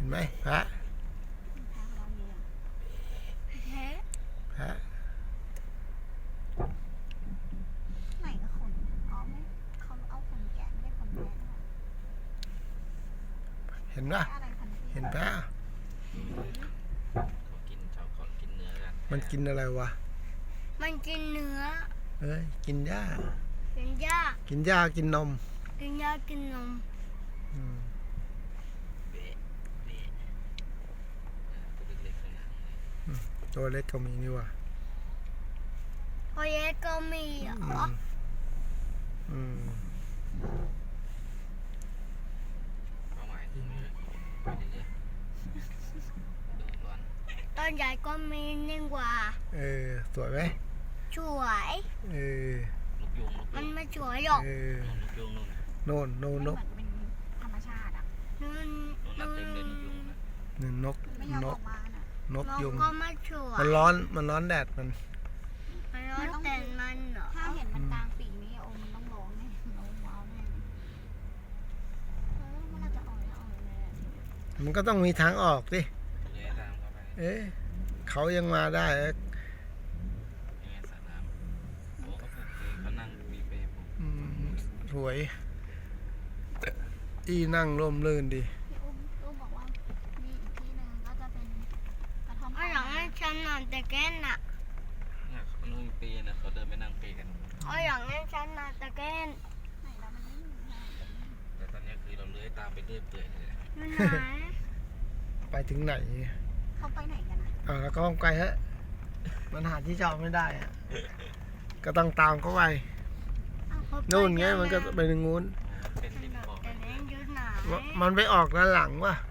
นไหมพระพระไหนก็ขนอ๋อไม่เขาเอาขนแกะไม่ได้ขนแกะเห็นปะอะไรพันธุ์เห็นปะเขากินชาวเขากินเนื้อกันมันกินอะไรวะมันกินเนื้อเอ้ยกินหญ้ากินหญ้ากินหญ้ากินนมกินหญ้ากินนมอืมเบะเบะตัวเล็กๆข้างหลังตัวเล็กก็มีนี่ว่ะพอเย็ดก็มีเหรอือมอืมเป้าหมายคือไปเรื่อยๆดูก่อนตอนใหญ่ก็มีนิ่งกว่าเออสวยไหมสวยเออลูกยุงลูกมัยุนงไม่สวยหรอกเออลูกยุงนู่นโน่นโน่นนกเหมือนเป็นธรรมชาติอ่ะนู่นนู่นนับเต็มเลยลูกยุงนะนี่นกไม่ยอมนอก อกมาน่ะนกนกยุงก็ไม่สวยมันร้อนมันร้อนแดดมันมันร้อนแต่มันเหรอถ้าเห็นมันกลางปีกนี้โอ้มันต้องร้องแน่ร้องว้าวแน่เมื่อเราจะออกแล้วออกเลยมันก็ต้องมีทางออกดิเลื้อยตามเข้าไปเอ๊ะเขายังมาได้เอ๊ะยังไงสระน้ำโอ้เขาปลูกคือเขานั่งมีเปรย์ปลูกอืมสวยอีนั่งร่มรื่นดีพี่อุ้มบอกว่ามีอีกที่หนึ่งก็จะเป็นกระท่อมเอาอย่างให้ฉันนอนแต่แก้นน่ะเนี่ยเขานั่งมีเปรย์นะเขาเดินไปนั่งเปรย์กันเอาอย่างให้ฉันนอนแต่แก้นไหนแล้วมันไม่มีนะแต่ตอนนี้คือเราเลื้อยตามไปเรื่อยเปื่อยเลยอยู่ไหนไปถึงไหนเขาไปไหนกันนะแล้วก็ต้องไปฮะมันหาที่จอดไม่ได้อะก็ต้องตามเขาไปนู่นไงมันก็ไปถึงนู้นเป็นริมบ่อแต่เล่นอยู่ไหนมันไปออกด้านหลังวะ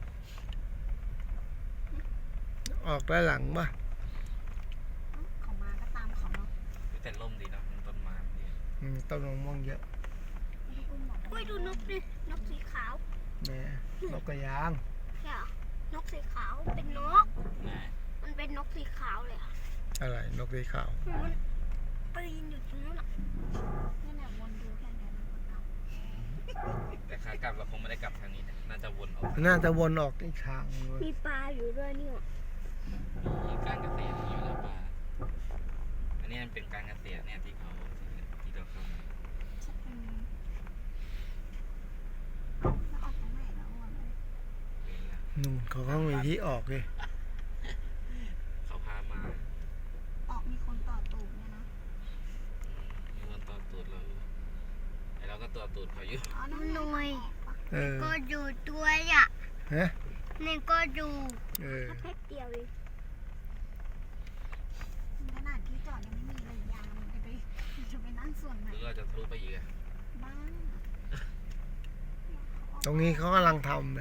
ออกด้านหลังวะเขามาก็ตามเขาเนาะแต่ร่มดีนะมันต้นไม้ดีต้นมะม่วงเยอะพี่อุ้มบอกอุ้ยดูนกดินกสีขาวแม่นกกระยางใช่เหรอนกสีขาวเป็นนกนะมันเป็นนกสีขาวเลยอะอะไรนกสีขาวมันปีนอยู่ตรงนั้นอะนี่แหละวนดูแค่นี้มันกลับแต่ขากลับเราคงไม่ได้กลับทางนี้นะน่าจะวนออกน่าจะวนออกอีกทางเลยมีปลาอยู่ด้วยนี่หว่ามีการเกษตรอยู่แล้วป่าอันนี้มันเป็นการเกษตรเนี่ยที่เราเข้ามาแล้วออกทางไหนแล้วอ้วนเป็นละนู่นเขาก็มีที่ออกเลยเขาพามาออกมีคนต่อตูดเนี่ยนะมีคนต่อตูดเราอยู่ไอเราก็ต่อตูดเขาอยู่อ๋อนั่นหน่วยเออก็อยู่ด้วยอ่ะฮะนี่ก็อยู่เออแค่เดียวเองขนาดที่จอดยังไม่มีเลยยามจะไปนั่งส่วนไหนหรือเราจะทะลุไปอีกอะบ้างตรงนี้เขากำลังทำเลย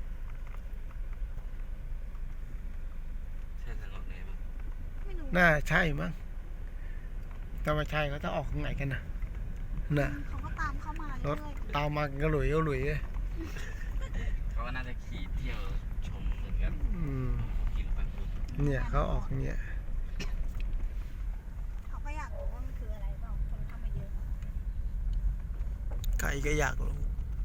ใช่ทางออกไหนบ้างไม่รู้น่าใช่มั้งถ้าไม่ใช่เขาจะออกทางไหนกันนะน่ะเขาก็ตามเข้ามาร เรื่ถอยตามมากันก็หลุยก็หลุยเลยเขาก็น่าจะขี่เที่ยวชมเหมือนกันอืมกินปันผุดเนี่ยเขาออกเนี่ยเขาก็อยากรู้ว่ามันคืออะไรเปล่าคนเข้ามาเยอะใครก็อยากรู้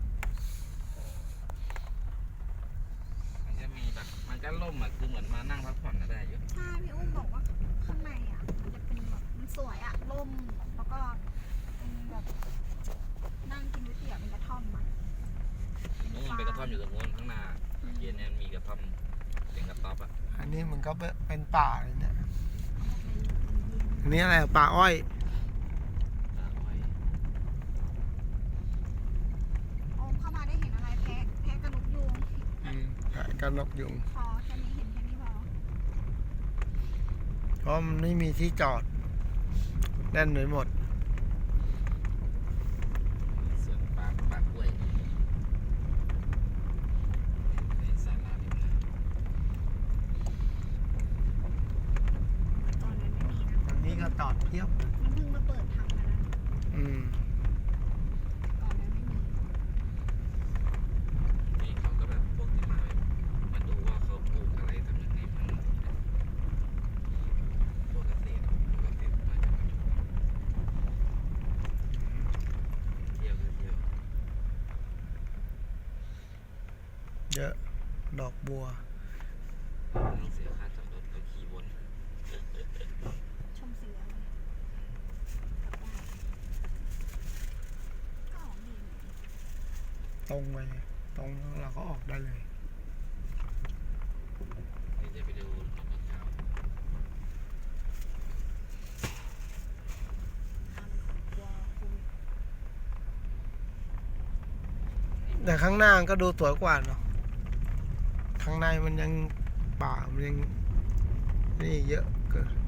มันจะมีแบบมันก็ล่มอะคือเหมือนมานั่งพักผ่อนก็ได้อยู่ใช่พี่อุ้มบอกว่าข้างในอ่ะมันจะเป็นแบบมันสวยอ่ะร่มแล้วก็เป็นแบบนั่งกินก๋วยเตี๋ยวเป็นกระท่อมอ่ะนู้นเป็นกระท่อมอยู่ตรงนู้นข้างหน้าเย็นเนี่ยมีกระท่อมเป็นกระต๊อบอะอันนี้มันก็เป็นป่าเลยเนี่ยอันนี้อะไรป่าอ้อยอ้อยโอมเข้ามาได้เห็นอะไรแพะกระลุกยุงกันนกยุงพอแค่นี้เห็นแค่นี้พอเพราะมันไม่มีที่จอดแน่นไปหมดสวนปลากล้วยในศาลาริมน้ำตอนนั้นไม่มีนะตรงนี้ก็จอดเพียบมันเพิ่งมาเปิดทำกันนะอืมตอนนั้นไม่มีนี่เขาก็แบบพวกที่มาดูว่าเขาปลูกอะไรทำยังไงมันพวกเกษตรมาจะมาชมเที่ยวก็เที่ยวเยอะดอกบัวต้องเสียค่าจอดรถก็ขี่วนชมเสือเลยกลับบ้านก็ออกดีเหมือนกันตรงไปตรงแล้วเราก็ออกได้เลยเดี๋ยวจะไปดูนกกระเจ้ากลัวโควิดแต่ข้างหน้าก็ดูสวยกว่าเนาะข้างในมันยังป่ามันยังนี่เยอะเกิน